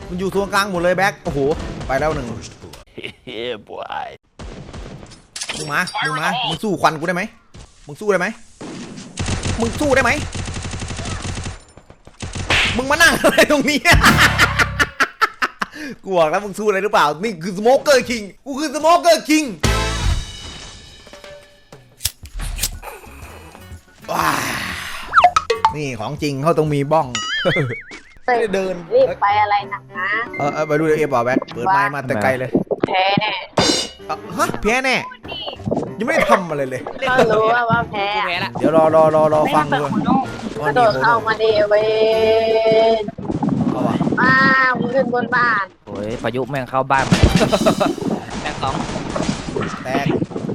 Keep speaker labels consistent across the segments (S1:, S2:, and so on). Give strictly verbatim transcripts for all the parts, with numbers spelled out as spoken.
S1: มันอยู่ตรงกลางหมดเลยแบ็คโอ้โหไปแล้วหนึ่ง
S2: เฮ้ยบอย
S1: มึงมามึงมามึงสู้ควันกูได้ไหมมึงสู้ได้ไหมมึงสู้ได้ไหมมึงมานั่งอะไรตรงนี้ กูบอกแล้วมึงสู้อะไรหรือเปล่านี่คือสโมเกอร์คิงกูคือสโมเกอร์คิงว้านี่ของจริงเขาต้องมีบ้อง เดิน
S3: รีบไปอะไรหนักนะ
S1: เออเออไปดูเอฟบอกแบ็คเปิดไมค์มาแต่ไกลเลย
S3: แพ้แน่
S1: ฮะแพ้แน่ยังไม่ได้ทำอะไรเลย
S3: ก็รู้ว่าว่าแพ้
S4: แพ้ละ
S1: เดี๋ยวรอรอรอรอฟังดู
S3: กระโดดเข้ามาเดเวน
S1: เอาวะ
S3: มามึงขึ้นบนบ้าน
S4: โอ้ยพายุแม่งเข้าบ้านแม่งต้อง
S1: แตก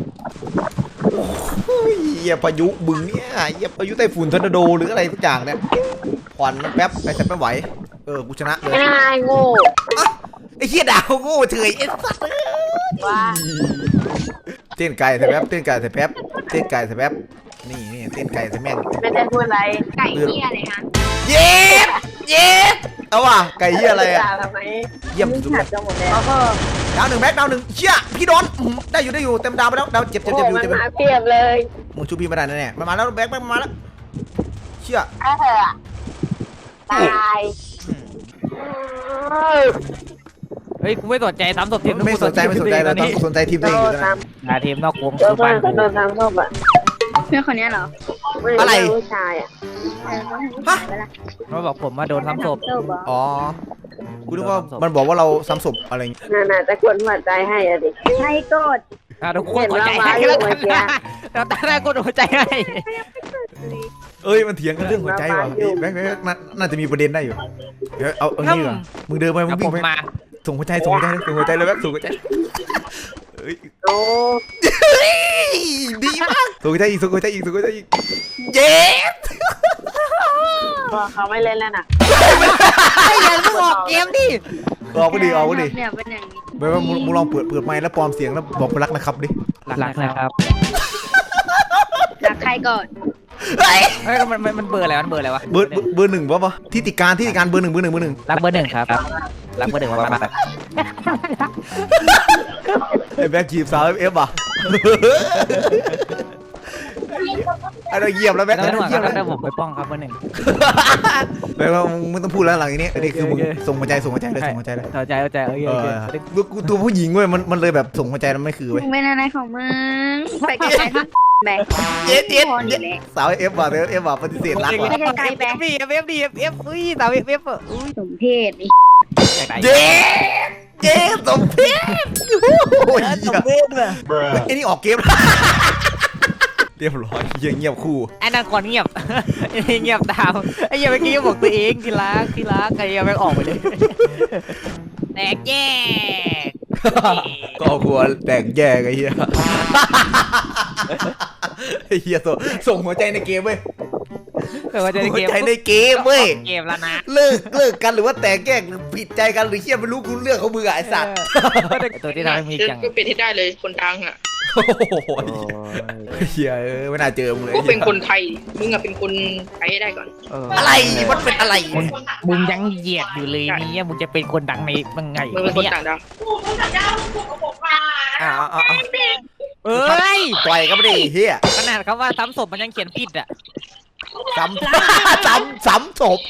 S1: โอ้ยเหี้ยพายุบึงเนี่ยเหี้ยพายุไต้ฝุ่นทอร์นาโดหรืออะไรทุกอย่างเนี่ยควันมันแป๊บไปแต่ไม่ไหวเออกูชนะเลย
S3: ไม่ได้โง่
S1: อ่ะไอ้เหี้ยดาวโง่เฉยไอ้สัส
S3: ว่า
S1: เต้นไก่แต่แป๊บเต้นไก่แต่แป๊บเต้นไก่แต่แป๊บนี่นี่เต้นไก่แต่แม่ง
S3: ไม่ได้พูดอะไรไก่เหี้ยอะไรฮะ
S1: เย็บเย็บเอาว่ะไก่เหี้ยอะไรอะ
S3: ทำไม
S1: เยี่ยมสุด
S3: ขัดจะหมดแล้วก็
S1: ดาวหนึ่งแบ็คดาวหนึ่งเชี่ยพี่โดนอื้อได้อยู่ได้อยู่เต็มดาวไปแล้วดาวเจ็บเจ็บ
S3: โอ้
S1: เจ็บอยู่
S3: มัน
S1: เจ็บอยู่
S3: มาเปรียบเลย
S1: มึงชูพี่มาได้แน่ๆมันมาแล้วแบ็คแบ็คมันมาแล้วเชี่ย
S3: ถ้าเธอตาย
S4: เฮ้ยกูไม่สนใจซ้ำศพทีม
S1: ไม่สนใจไม่สนใจเราต้องสนใจทีม
S3: โด
S1: ตัวเองอยู่
S3: น
S1: นะ
S3: ตาม
S4: หาทีมนอกวง
S3: โด
S4: คือน บ้านกู
S3: โดนตามรอบอ่ะ
S5: เพื่อนคนนี้เหรอ
S1: อะไร
S3: ผู้ชายอ่ะ
S5: เออเขาให้ผู้ชายไปละ
S4: มันบอกผมว่าโดนซ้ำศพ
S5: เจ้าบอก
S1: อ๋อกูนึกว่ามันบอกว่าเราซ้ำศพอะไรอย่างงี้
S3: น่าจะกดหัวใจให้อะดิ
S5: ใช่กด
S4: อ่ะทุกคนหัวใจให้แล้วกันนะเราตั้งแต่กดหัวใจให้
S1: เอ้ยมันเถียงกันเรื่องหัวใจว่ะแบ็คแบ็คน่าน่าจะมีประเด็นได้อยู่เดี๋ยวเอาเอางี้ก่อนมึงเดินไปมึ
S4: เอา
S1: ง
S4: ผ
S1: วิ่ง
S4: ม
S1: ไป
S4: มา
S1: ส่งหัวใจส่งหัวใจส่งหัวใจเลยแบ็คส่งหัวใจเอ้ย
S3: โอ้
S1: ดีมากส่งหัวใจอีกส่งหัวใจอีกส่งหัวใจอีกเย้
S3: บอกเขาไม่เล่นแล้วน่ะ
S4: ไอ้ยันมึงออกเกมดิ
S1: ออกก็ดีออกก็ดี
S5: เนี่ยเป็นอย่างนี้
S1: ไม่ว่ามึงมึงลองเปิดเปิดไมค์แล้วปลอมเสียงแล้วบอกรักนะครับดิ
S4: หลักนะครับ
S5: รักใครก่อน
S1: เฮ้ย
S4: เฮ้ยมันมันมันเบอร์อะไรมันเบอร์อะไรวะ
S1: เบอร์เบอร์เบอร์หนึ่งป่ะปะที่ติการที่ติการเบอร์หนึ่งเบอร์หนึ่งเบอร์หนึ่ง
S4: รักเบอร์หนึ่งครับรักเบอร์หนึ่งมามา
S1: ไอ้แบ็คจีบสาวเอฟอ่ะไอ้เราเยี่ยมแล้วแบ็ค
S4: แล้ว
S1: ไอ้
S4: หน่
S1: เรา
S4: วย
S1: เยี่ยม
S4: ครั
S1: แล้
S4: บ
S1: ว
S4: แต่ผมไปป้องครับเบอร์หนึ่ง
S1: แบ็คเรามึงไม่ต้องพูดแล้วหลังนี้อันนี้คือมึง
S4: โอเค
S1: ส่งหัวใจส่งหัวใจเลยส่งหัวใจเลย
S4: เข้าใจเข้าใจโอเค
S1: เอ
S4: โอเค
S1: อกูตัวผู้หญิงเว้ยมันมันเลยแบบส่งหัวใจแล้วไม่คือ
S5: มึ
S1: เว้ย
S5: งเป็นอะไรของมึงไปไกลๆทั้งแบก
S1: เย็ดเย็ด
S5: พอนี่แหละ
S1: สาวเอฟว่ะเอฟเอฟว่ะปฏิเสธรักว่ะ
S5: ไม่ใช่ไกลแบก
S4: เอฟดีเอฟดีเอฟเอฟอุ้ยสาวเอฟเอฟอุ้ย
S5: สมเพศไอ้
S4: อยากได้
S1: เย็ดเย็ดสมเพชโอ้ย
S4: สมเพศว่ะ
S1: ไอ้นี่ออกเกมเรียบร้อยเงียบคู่
S4: ไอ้นั่นก่อนเงียบไอ้เงียบตามไอ้เหี้ยังเมื่อกี้บอกตัวเองที่รักที่รักไอ้เหี้ยังไม่ออกไปเลยแตกแยก
S1: ก็ควรแตกแยกไอ้เหี้ยไอ้เหี้ยส่งส่งหัวใจในเกมเว้ย
S4: เกิดว่าจะ
S1: ส่ง
S4: ได้
S1: หัว
S4: เกม
S1: ใจในเกมเว้ย
S4: เกมแล้วนะ
S1: เลิกเลิกกันหรือว่าแตกแยกหรือผิดใจกันหรือเหี้ยไม่รู้กูเรื่องเขามือไอ้สัตว์
S4: ตัวที่ทำให้มีจัง
S6: ก็เป็นที่ได้เลยคนดังอ่ะ
S1: โอ้โหเหี้ยเออไม่น่าเจอมึงเลย
S6: ก็เป็นคนไทย มึงอะเป็นคนไทยให้ได้ก่อน
S1: อะไรมันเป็นอะไร
S4: มึงมึงยังเหยียดอยู่เลยเนี่ยมึงจะเป็นคนดังในมึงไง
S6: มึงเป็นคน
S4: เนี่ย
S6: ต่างดาว
S1: อ่าอ่า
S4: เอ้ย
S1: ต่อยก็ไม่ได้เหี้ย
S4: ขนาดคำว่าซ้ำศพมันยังเขียนผิดอ่ะ
S1: ซ้ำซ้ำซ้ำศพ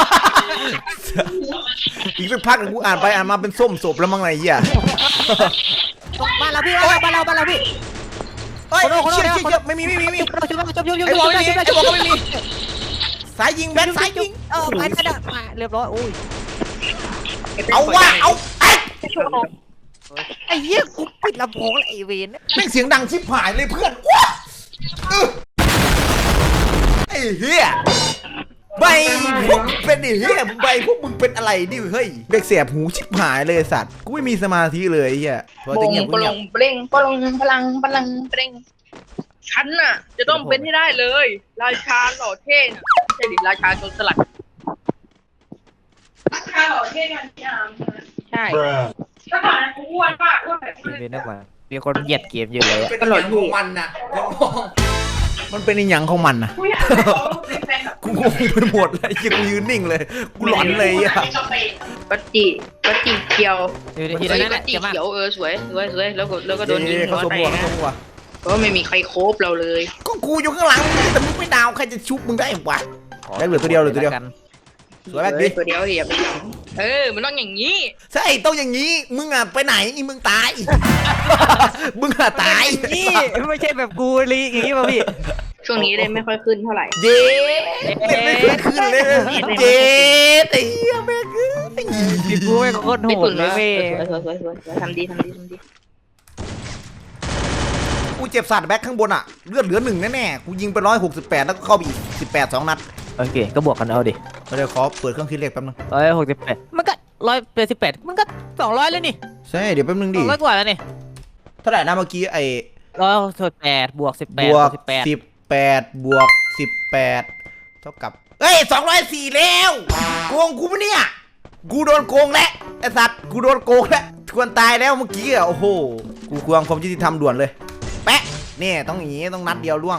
S1: อีกสักพักหนึ่งกูอ่านไปอ่านมาเป็นส้มศพแล้วมั้งไงเหี้ย
S4: บ้านเราพี่บ้านเราบ้านเราพี่
S1: เฮ้ย
S4: โคโน่โคโน่
S1: เชี่ยเชี่ยเชี่ยไม่มีไม่มีไม่มี
S4: จบจบจบจบจบ
S1: ไอ้บอกไม่มีไอ้บอกก็ไม่มีสายยิงแบนสายยิง
S4: เออไปไปได้มาเรียบร้อยอุ้ย
S1: เอาว่าเอาไอ้
S4: ไอ้เหี้ยกูปิดลำโพงแล้วไอ้เวน
S1: แม่งเสียงดังชิบหายเลยเพื่อนว้าไอ้เหี้ยใบพวกเป็นไอ้เหี้ยใบพวกมึงเป็นอะไรดิเฮ้ยเด็กเสียบหูชิบหายเลยสัตว์กูไม่มีสมาธิเลยไอ้เหี้ยพอ
S6: โบ
S1: จะ
S6: ง
S1: เงียบ
S6: ป
S1: กู
S6: ล
S1: เงียบ
S6: งเปล่งปลงพลังพลังเปล่งฉันน่ะ จะต้องเป็นให้ได้เลย ราชาหล่อเท่น่ะไม่ใช่ดิราชาโจรสลัดราชาหล่อเท่กันยามใช่ก็ก่อนนะกูอ้วนมากอ้วนแบบ
S4: เวนนักว่ามีคนเหยียดเกมอยู่เลย
S1: เป็นอีหยังของมันน่ะมันเป็นอีหยังของมันน่ะ
S6: กูอยากให้เขาเป็นแฟนแบบ
S1: กูงงไปหมดเลยไอ้เหี้ยกูยืนนิ่งเลยกูหลอนเลยอ่ะ
S6: ก็จีก็จีเขียว
S4: อยู่ในที
S6: เอ้
S4: นั้น
S6: ยก็
S4: น่ะ
S6: จี
S4: เจ็บมาก
S6: เขียวเออสวยสวยสวยแล้วก็แล้วก็โดนยิง
S1: เย้
S6: หั
S1: เขา
S6: ว
S1: สม
S6: แต
S1: บัว
S6: ก
S1: เขา
S6: นะ
S1: สมบัว
S6: เพราะว่าไม่มีใครโคบเราเลย
S1: ก็กูอยู่ข้างหลังมึงแต่มึงไม่ดาวใครจะชุบมึงได้วะ ได้เหลือตัวเดียวเหลือตัวเดียว
S4: กัน
S1: สวยแบบนี้
S6: ตัวเดียวเดียวเออมันต้องอย่างนี้
S1: ใช่ต้องอย่างนี้มึงอ่ะไปไหนอีมึงตาย มึงอ่ะตาย
S4: นี่ไม่ใช่แบบกูลีอย่างนี้ป่ะพี่
S6: ช่วงนี้เลยไม่ค่อยขึ้นเท่าไหร่
S1: เย้เล่นไม่ขึ้นขึ้นเลยเย้ไอ้เหี้ยแม่งเอ้ย
S4: พี่กูไม่งโคตรโห
S6: ไม่
S4: ด
S6: ตุ่น
S4: เลย
S6: มา
S4: เว้ย
S6: สวยสวยสวยสวยทำดีทำดีทำดี
S1: กูเจ็บสัตว์แบ็คข้างบนอ่ะเลือดเหลือหนึ่งแน่ๆกูยิงไปร้อยหกสิบแปดแล้วก็เข้าไปอีกสิบแปดสองนัด
S4: โอเคก็บวกกันเอาดิ
S1: เดี๋ยวขอเปิดเครื่องคิดเลขแป๊บนึง
S4: ร้อยหกสิบแปดมันก็ร้อยแปดสิบแปดมันก็สองร้อยเลยนี่
S1: ใช่เดี๋ยวแป๊บนึง
S4: ส
S1: ดิ
S4: องร้อยกว่าแล้วนี่
S1: เท่าไหร่นะเมื่อกี้ไอ้
S4: ร้อยหกสิบแปดบวกสิบแป
S1: บ
S4: ด
S1: วก
S4: สิบแปด
S1: สิบแปดบวกสิบแปดเท่ากับเอ้ยสองร้อยสี่แล้วโกงกูปะเนี่ยกูโดนโกงแล้วไอ้สัตว์กูโดนโกงแล้วควรตายแล้วเมื่อกี้อ่ะโอ้โหกูควงความยุติธรรมด่วนเลยแปะเนี่ยต้องอย่างงี้ต้องนัดเดียวล่วง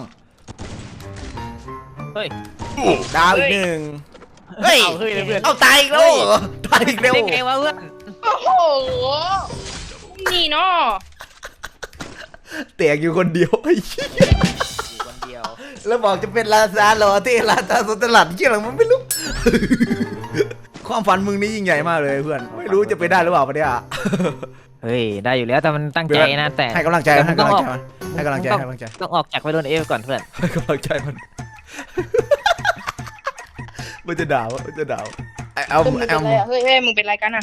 S4: เฮ้ย
S1: ดาวอีกหนึ่งเฮ้ย
S4: เอาเฮ้ยเลยเพื่อน
S1: เอาตายอีกแล้วเหรอตายอีกแล้ว
S4: ได้ไงวะเพื่อน
S6: โอ้โหนี่เนาะ
S1: แตกอยู่คนเดียวไอ้เหี้ย
S4: อยู่คนเดียว
S1: แล้วบอกจะเป็นลาซาโลเทลาซาโซตลัดเกี่ยอะไรมันไม่รู้ ความฝันมึงนี่ยิ่งใหญ่มากเลยเพื่อนไม่รู้จะไปได้หรือเปล่าปะเนี่ย
S4: เฮ้ยได้อยู่แล้วแต่มันตั้งใจนะแต่
S1: ให้กำลังใจ
S4: แต่
S1: ให้
S4: ต้
S1: กำ
S4: อ
S1: ลั
S4: ง
S1: ง
S4: อ
S1: ใจ
S4: อก
S1: มันให้กำลังใจให้กำลังใจ
S4: ต้องออกจากไปโดนเอฟก่อนเพื่อน
S1: ให้กำลังใจมัน มันจะด่าวะมันจะด่าวไอ้เอา
S6: มึงเป็น
S1: เอา
S6: ไรอะเฮ้ยเฮ้ยมึงเป็นไรกันอะ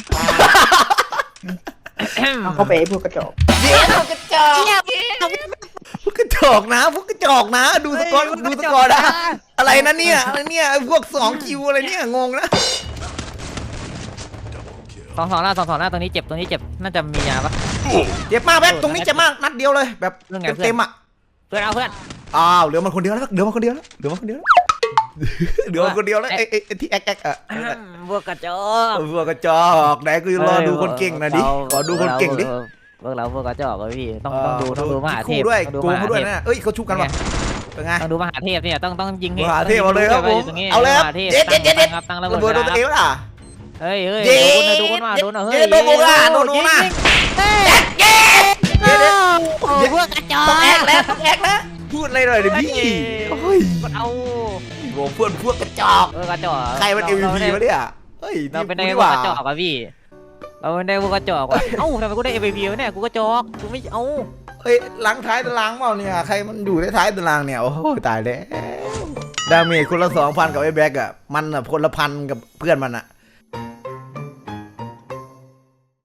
S6: เอาเข้าไปไอ้พวกกระจอก
S1: เดี๋ยวพวกกระจอกพวกกระจอกนะพวกกระจอกนะ ดูสกอร์ดูสกอร์นะอะไรนะเนี่ยอะไรเนี่ยพวกสองคิวอะไรเนี่ยงงนะ
S4: สองสองหน้าสองสองหน้าตรงนี้เจ็บตรงนี้เจ็บน่าจะมียาปะ
S1: เจ็บมากแบ๊กตรงนี้เจ็บมากนัดเดียวเลยแบบ
S4: เรื่องไงเพื่อน
S1: เต็มๆอ่ะ
S4: เพื่อนเอาเพื่อน
S1: อ้าวเหลือมันคนเดียวแล้วเหลือมันคนเดียวแล้วเหลือมันคนเดียวแล้วเหลือมันคนเดียวแล้วไอ้ไอ้ไอ้ที่แอ๊กแอ๊กอ่ะ
S4: พวกกระจอก
S1: พวกกระจอกไหนกูรอดูคนเก่งหนะดิขอดูคนเก่งดิ
S4: พวกเราพวกกระจอกเลยพี่ต้องต้องดูต้องดูมหาเท
S1: คู่
S4: พ
S1: ด้วย
S4: ต้องดู
S1: โก
S4: ม
S1: ง
S4: หา
S1: เขาด้วย
S4: เทพ
S1: นะเอ้ยเขาชุบกันวะเป็นไง
S4: ต้องดูมหาเทพเนี่ยต้องต้องยิง
S1: มหาเทพเอาเลยครับผมเอาเลยครับเด็ดเด็ดเด็ดเด็ด
S4: ตั้งระ
S1: ระ
S4: เบิ
S1: เบิ
S4: ด
S1: ดโดนตัวเองล่ะ
S4: เฮ้ยเฮ้ย
S1: เย้
S4: ดูคนมาดูคนมาดูหน่อย
S1: เย้
S4: เฮ้ย
S1: โดนโดนล่ะโดนโดนล่ะ เย้
S4: โอ้พวกกระจอก
S1: ต้องแอกแล้วต้องแอกนะพูดอะไรหน่อยดิพี่โอ้ย
S4: เอา
S1: โว้เพื่อนพวกกระจอก
S4: เออกระจอก
S1: ใครมันเอ็มวีพีวะเนี่ยเฮ้ย
S4: เราเป็น
S1: นี่
S4: ได้
S1: กู
S4: พวก
S1: ว่าก
S4: ระจอกอะพี่เราเป็นได้พวกกระจอกว่ะเอ้าทำไมกูได้เอ็มวีพีวะเนี่ยกูกระจอกกูไม่เอา
S1: เฮ้ยหลังท้ายตารางเปล่าเนี่ยใครมันอยู่ท้ายตารางเนี่ยโอ้โหตายแล้วดาเมจคนละสองพันกับไอ้แบ็กอะมันอะคนละพันกับเพื่อนมันอะ